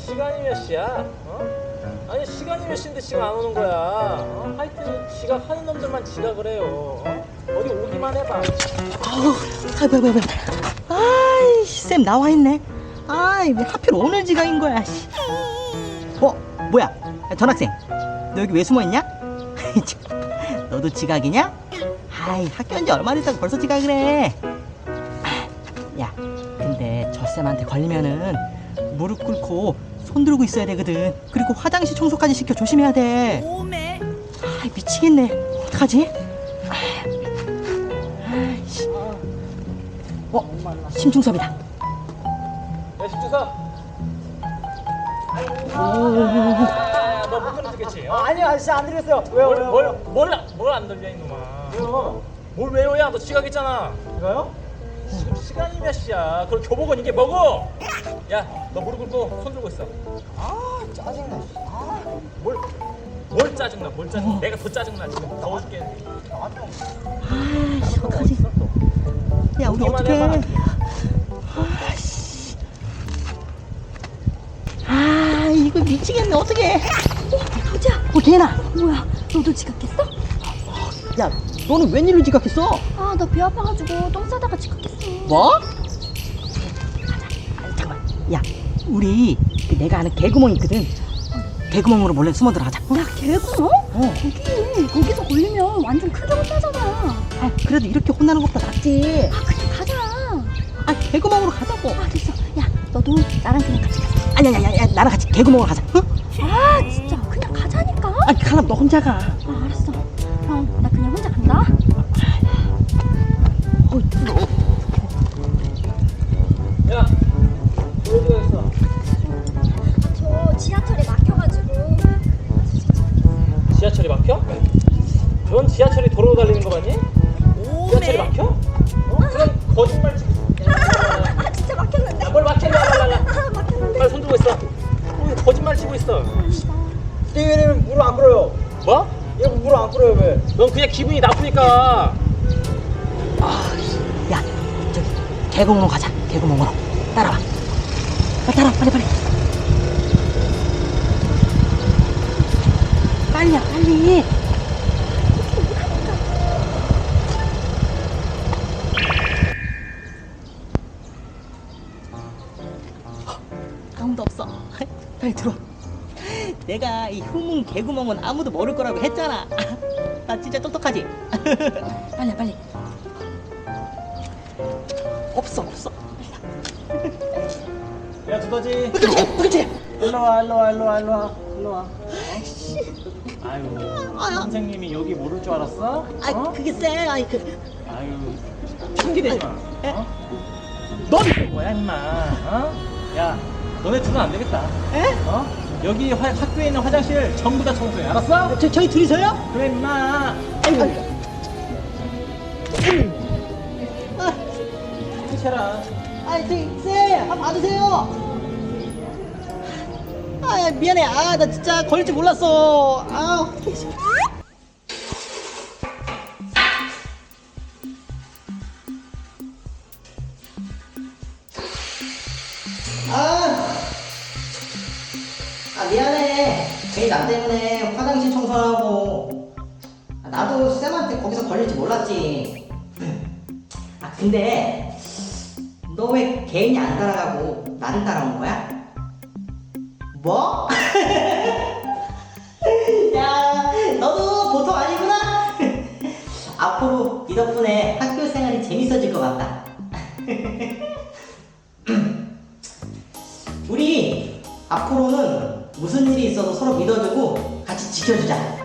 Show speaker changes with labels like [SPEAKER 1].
[SPEAKER 1] 시간이 몇 시야? 아니 시간이 몇 시인데 지금 안 오는 거야? 하여튼 지각하는 놈들만 지각을 해요. 어디 오기만 해봐.
[SPEAKER 2] 아우, 뭐야. 아이씨, 쌤 나와 있네. 아이, 왜 하필 오늘 지각인 거야, 씨. 뭐야? 야, 전학생, 너 여기 왜 숨어 있냐? 너도 지각이냐? 아이, 학교 온 지 얼마 됐다고 벌써 지각을 해. 야, 근데 저 쌤한테 걸리면은 무릎 꿇고 손 들고 있어야 되거든. 그리고 화장실 청소까지 시켜 조심해야 돼.
[SPEAKER 3] 오메.
[SPEAKER 2] 아, 미치겠네. 어떡하지? 아이씨. 심중섭이다.
[SPEAKER 1] 야 심주섭. 너못 들어주겠지?
[SPEAKER 4] 아니요 아저씨 안 들렸어요. 왜요?
[SPEAKER 1] 뭘 안 들려 이놈아.
[SPEAKER 4] 왜요?
[SPEAKER 1] 뭘 왜요야? 너 지각했잖아.
[SPEAKER 4] 왜요?
[SPEAKER 1] 지금 시간이 몇 시야? 그럼 교복은 이게 뭐고? 야, 너 무릎 꿇고 손 들고 있어.
[SPEAKER 4] 아 짜증나.
[SPEAKER 1] 뭘 짜증나? 뭘 짜증나? 내가 더 짜증나 지금. 더워 죽겠네.
[SPEAKER 2] 아이씨, 어떡하지? 야, 우리
[SPEAKER 1] 오기만
[SPEAKER 2] 어떡해?
[SPEAKER 1] 해봐.
[SPEAKER 2] 아이씨. 아, 이거 미치겠네. 어떡해?
[SPEAKER 3] 도지야.
[SPEAKER 2] 걔나.
[SPEAKER 3] 뭐야? 너도 지각했어?
[SPEAKER 2] 야, 너는 웬일로 지각했어?
[SPEAKER 3] 아, 나 배 아파가지고 똥 싸다가 지각했어.
[SPEAKER 2] 뭐? 잠깐만. 야, 우리 내가 아는 개구멍 있거든. 개구멍으로 몰래 숨어 들어가자.
[SPEAKER 3] 야, 개구멍? 거기서 걸리면 완전 크게 혼나잖아.
[SPEAKER 2] 아, 그래도 이렇게 혼나는 것보다 낫지.
[SPEAKER 3] 아, 그냥 가자.
[SPEAKER 2] 아, 개구멍으로 가자고.
[SPEAKER 3] 아, 됐어. 야, 너도 나랑 그냥 같이 가자.
[SPEAKER 2] 아니야, 나랑 같이 개구멍으로 가자. 응?
[SPEAKER 3] 아, 진짜 그냥 가자니까.
[SPEAKER 2] 아, 그럼 너 혼자 가.
[SPEAKER 3] 아, 알았어. 그럼 나 그냥 혼자 간다.
[SPEAKER 1] 야, 어디 갔어?
[SPEAKER 3] 저 지하철에 막혀가지고.
[SPEAKER 1] 지하철이 막혀? 넌 지하철이 도로로 달리는 거 맞니? 지하철이 막혀? 그럼 거짓말 치고.
[SPEAKER 3] 아, 진짜 막혔는데?
[SPEAKER 1] 뭘 막혔냐?
[SPEAKER 3] 아, 막혔는데?
[SPEAKER 1] 빨리 손 들고 있어. 거짓말 치고 있어.
[SPEAKER 4] 띠기님 물을 안 끓여요.
[SPEAKER 1] 뭐?
[SPEAKER 4] 얘 물을 안 끓여요 왜?
[SPEAKER 1] 넌 그냥 기분이 나쁘니까.
[SPEAKER 2] 야, 저기 개구멍으로 가자. 개구멍으로. 따라와. 따라와, 빨리. 빨리야, 빨리. 아무도 없어. 빨리 들어. 내가 이 후문 개구멍은 아무도 모를 거라고 했잖아. 나 진짜 똑똑하지? 빨리. 없어.
[SPEAKER 4] 야 두더지.
[SPEAKER 2] 그치?
[SPEAKER 4] 일로 와. 아유 선생님이 여기 모를 줄 알았어?
[SPEAKER 2] 아, 그게 쎄. 아이,
[SPEAKER 4] 아유 핑계대지 마. 넌 뭐야 임마? 야 너네 둘은 안 되겠다.
[SPEAKER 2] 에?
[SPEAKER 4] 여기 학교에 있는 화장실 전부 다 청소해. 알았어?
[SPEAKER 2] 저희 둘이서요?
[SPEAKER 4] 그래 임마. 해라.
[SPEAKER 2] 쌤, 한번 봐주세요. 아, 미안해. 아, 나 진짜 걸릴 줄 몰랐어. 아, 미안해. 괜히 나 때문에 화장실 청소하고. 나도 쌤한테 거기서 걸릴지 몰랐지. 근데 너 왜 개인이 안 따라가고 나를 따라온 거야? 뭐? 야, 너도 보통 아니구나. 앞으로 네 덕분에 학교 생활이 재밌어질 것 같다. 우리 앞으로는 무슨 일이 있어도 서로 믿어주고 같이 지켜주자.